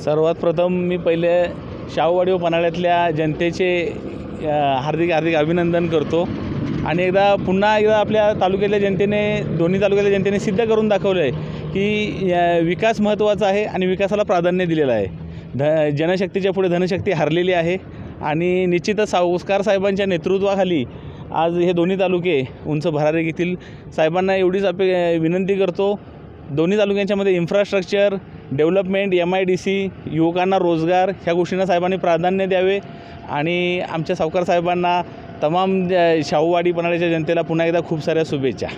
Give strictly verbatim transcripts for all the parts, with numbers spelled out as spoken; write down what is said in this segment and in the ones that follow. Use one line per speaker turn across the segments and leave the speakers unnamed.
सर्वात प्रथम मी पहिले शाहूवाडी व पन्हाळ्यातल्या जनतेचे हार्दिक हार्दिक अभिनंदन करतो आणि एकदा पुन्हा एकदा आपल्या तालुक्यातल्या जनतेने दोन्ही तालुक्यातल्या जनतेने सिद्ध करून दाखवलं आहे की विकास महत्त्वाचा आहे आणि विकासाला प्राधान्य दिलेलं आहे. ध जनशक्तीच्या पुढे धनशक्ती हरलेली आहे आणि निश्चितच सावकार साहेबांच्या नेतृत्वाखाली आज हे दोन्ही तालुके उंच भरारी घेतील. साहेबांना एवढीच अपे विनंती करतो, दोन्ही तालुक्यांच्यामध्ये infrastructure development, M I D C, युवकांना रोजगार ह्या गोष्टींना साहेबांनी प्राधान्य द्यावे आणि आमच्या सावकार साहेबांना तमाम शाहूवाडी पन्हाळ्याच्या जनतेला पुन्हा एकदा खूप साऱ्या शुभेच्छा.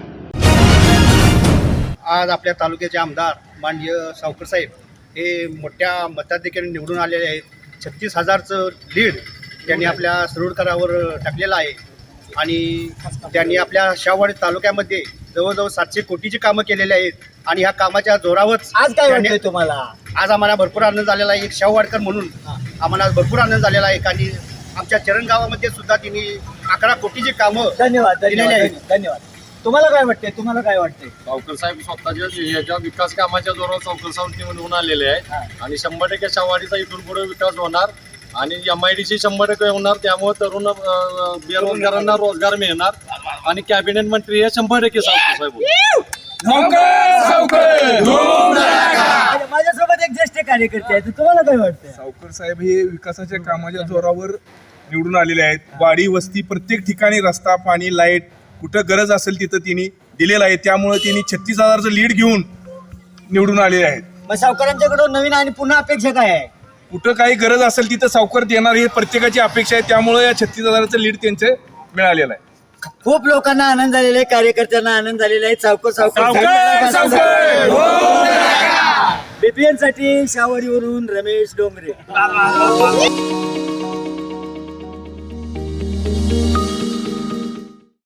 आज आपल्या तालुक्याचे आमदार माननीय सावकर साहेब हे मोठ्या मताधिक्याने निवडून आलेले आहेत. छत्तीस हजारचं लीड त्यांनी आपल्या सरोडकरावर टाकलेलं आहे आणि त्यांनी आपल्या शाहूवाडी तालुक्यामध्ये जवळजवळ सातशे कोटीची कामं केलेली आहेत आणि ह्या कामाच्या जोरावरच
आज काय वाटतंय तुम्हाला?
आज आम्हाला भरपूर आनंद झालेला आहे. एक शाहूवाडकर म्हणून आम्हाला भरपूर आनंद झालेला आहे आणि आमच्या चरण गावामध्ये सुद्धा त्यांनी अकरा कोटीची कामं
धन्यवाद
दिलेली
धन्यवाद
आहेत.
धन्यवाद. तुम्हाला काय वाटतंय? तुम्हाला काय वाटतंय?
सावकर साहेब स्वतःच्या याच्या विकास कामाच्या जोरावर सावकर साहेब निवडून आलेले आहेत आणि शंभर टक्के शाहूवाडीचा इथून पुढे विकास होणार आणि एम आय डी सी शंभर टक्के होणार. त्यामुळे तरुण बेरोजगारांना रोजगार मिळणार आणि कॅबिनेट मंत्री हे शंभर टक्के सावकर साहेब.
माझ्यासोबत एक ज्येष्ठ कार्यकर्ते आहेत, तुम्हाला काय वाटतंय?
सावकर साहेब हे विकासाच्या कामाच्या जोरावर निवडून आलेले आहेत. वाडी वस्ती प्रत्येक ठिकाणी रस्ता, पाणी, लाईट कुठं गरज असेल तिथं त्यांनी दिलेलं आहे. त्यामुळे त्यांनी छत्तीस हजारचं लीड घेऊन निवडून आलेले आहेत.
मग सावकारांच्याकडून नवीन आणि पुन्हा अपेक्षा काय आहे?
कुठं काही गरज असेल तिथं सावकर देणार हे प्रत्येकाची अपेक्षा आहे. त्यामुळे या छत्तीस हजाराचं लीड त्यांचे मिळालेलं आहे.
खूप लोकांना आनंद झालेला आहे, कार्यकर्त्यांना आनंद झालेला आहे. सावकर सावकर बीपीएन साठी शाहूवाडीवरून रमेश डोंगरे.